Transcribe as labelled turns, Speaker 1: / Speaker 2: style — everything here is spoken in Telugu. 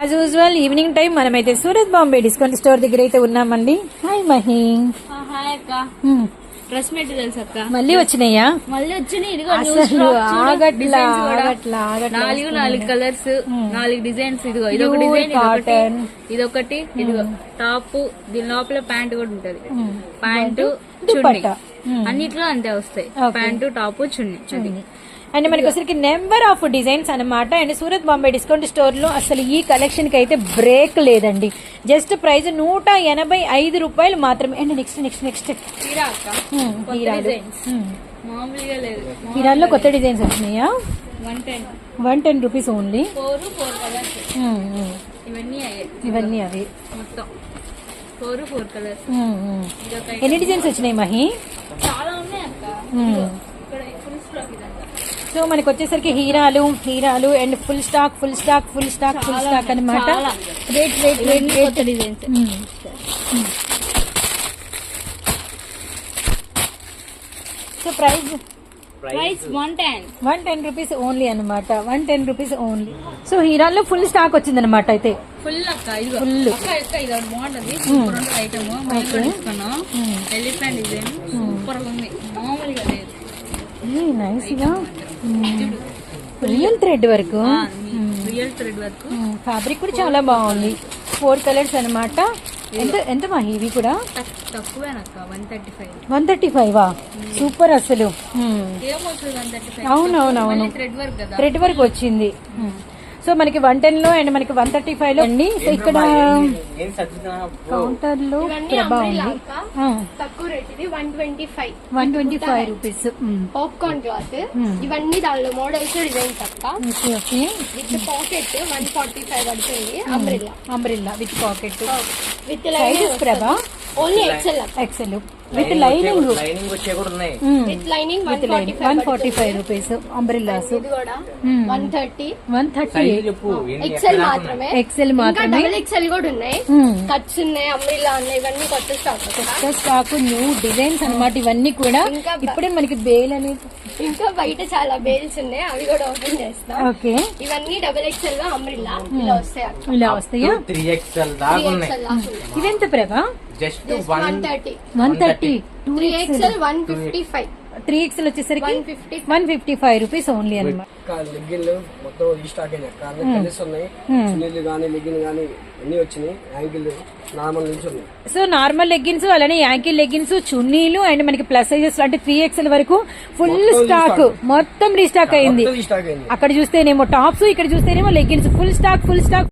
Speaker 1: యాజ్ యూజువల్ ఈవినింగ్ టైం మనమైతే సూరత్ బాంబే డిస్కౌంట్ స్టోర్ దగ్గర అయితే ఉన్నామండి. హాయ్ మహి.
Speaker 2: హాయ్ అక్క. డ్రెస్ మెటీరియల్స్ అక్క
Speaker 1: మళ్ళీ వచ్చినాయా?
Speaker 2: మళ్ళీ వచ్చినాయి. ఇదిగో నాలుగు కలర్స్, 4 డిజైన్స్. ఇదిగో ఇదొక డిజైన్, ఇదొకటి, ఇదిగో టాప్, దీని లోపల ప్యాంట్ కూడా ఉంటది. ప్యాంటు చున్నీ అన్నిట్లో అంతే వస్తాయి. Pant top chunni.
Speaker 1: అండ్ మనకి వచ్చరికి నెంబర్ ఆఫ్ డిజైన్స్ అనమాట. And Surat Bombay discount store లో అసలు ఈ కలెక్షన్ కి అయితే బ్రేక్ లేదండి. జస్ట్ ప్రైస్ 185 రూపాయలు మాత్రమే. అండ్ నెక్స్ట్ హీరాల్లో కొత్త డిజైన్స్ వచ్చినాయా? 110 రూపీస్ ఓన్లీ. ఇవన్నీ అవి
Speaker 2: మొత్తం 4 కలర్స్.
Speaker 1: ఎన్ని డిజైన్స్ వచ్చినాయి మహి?
Speaker 2: చాలా ఉన్నాయి అక్క.
Speaker 1: సో మనకి వచ్చేసరికి హీరాలు అండ్ ఫుల్ స్టాక్ అనమాట.
Speaker 2: Weight designs.
Speaker 1: So price
Speaker 2: 110
Speaker 1: rupees only అనమాట. 110 రూపీస్ ఓన్లీ. సో హీరాల్లో ఫుల్ స్టాక్ వచ్చింది అనమాట. అయితే
Speaker 2: ఫుల్ అక్క.
Speaker 1: ఫుల్
Speaker 2: ఇది బాగుంటది. ఐటమ్ ఎలిఫెంట్ డిజైన్ సూపర్ ఉంది. మామూలుగా లేదు.
Speaker 1: నైస్ గా రియల్ థ్రెడ్ వర్క్. ఫ్యాబ్రిక్ కూడా చాలా బాగుంది. 4 కలర్స్ అనమాట. ఎంత మా ఇవి కూడా
Speaker 2: తక్కువేనక్క.
Speaker 1: 135 సూపర్ అసలు. అవునవునవును థ్రెడ్ వర్క్ వచ్చింది. సో మనకి 110 లో అండ్ మనకి 135 లో అండి. సో ఇక్కడ కౌంటర్ లో ప్రభా ఉంది.
Speaker 3: తక్కువ రేట్ ఇది
Speaker 1: 125 రూపీస్.
Speaker 3: Popcorn cloth. ఇవన్నీ దానిలో మోడల్స్ డిజైన్స్ అక్క. విత్ పాకెట్ 145 పడుతుంది.
Speaker 1: అంబ్రెల్లా విత్ పాకెట్
Speaker 3: విత్
Speaker 1: ప్రభా.
Speaker 3: Only
Speaker 1: excel with lining.
Speaker 3: With lining
Speaker 1: 145 rupees. Umbrellas
Speaker 3: 130 excel మాత్రమే. డబుల్ ఎక్సెల్ కూడా ఉన్నాయి. కట్స్ ఉన్నాయి, అంబ్రెల్లా ఉన్నాయి. ఇవన్నీ కొత్త
Speaker 1: స్టాక్ న్యూ డిజైన్స్ అనమాట. ఇవన్నీ కూడా ఇప్పుడే మనకి బేల్ అనేది.
Speaker 3: ఇంకా బయట చాలా బేల్స్ ఉన్నాయి, అవి కూడా ఓపెన్ చేస్తాం.
Speaker 1: ఓకే
Speaker 3: ఇవన్నీ డబుల్ ఎక్సెల్ లో అంబ్రెల్లా
Speaker 1: ఇలా వస్తాయా?
Speaker 4: 3XL దాకా ఉన్నాయి.
Speaker 1: ఇవెంత ప్రభా?
Speaker 4: జస్ట్
Speaker 1: 130.
Speaker 3: 3XL 155.
Speaker 1: 3XL వచ్చేసరికి 155 రూపీస్ ఓన్లీ అనమాట.
Speaker 5: లెగ్గిన్లు మొత్తం రీస్టాక్ అయినాయి. కలర్స్ ఉన్నాయి. చున్నీలు గానీ లెగ్గిన్ గానీ అన్ని వచ్చినాయి. యాంకిల్ నార్మల్ నుంచి ఉన్నాయి.
Speaker 1: సో నార్మల్ లెగ్గిన్స్, అలానే యాంకిల్ లెగ్గిన్స్, చున్నీలు అండ్ మనకి ప్లస్ సైజెస్ అంటే 3XL వరకు ఫుల్ స్టాక్ మొత్తం రీస్టాక్ అయింది. అక్కడ చూస్తేనేమో టాప్స్, ఇక్కడ చూస్తేనేమో లెగ్గిన్స్. Full stock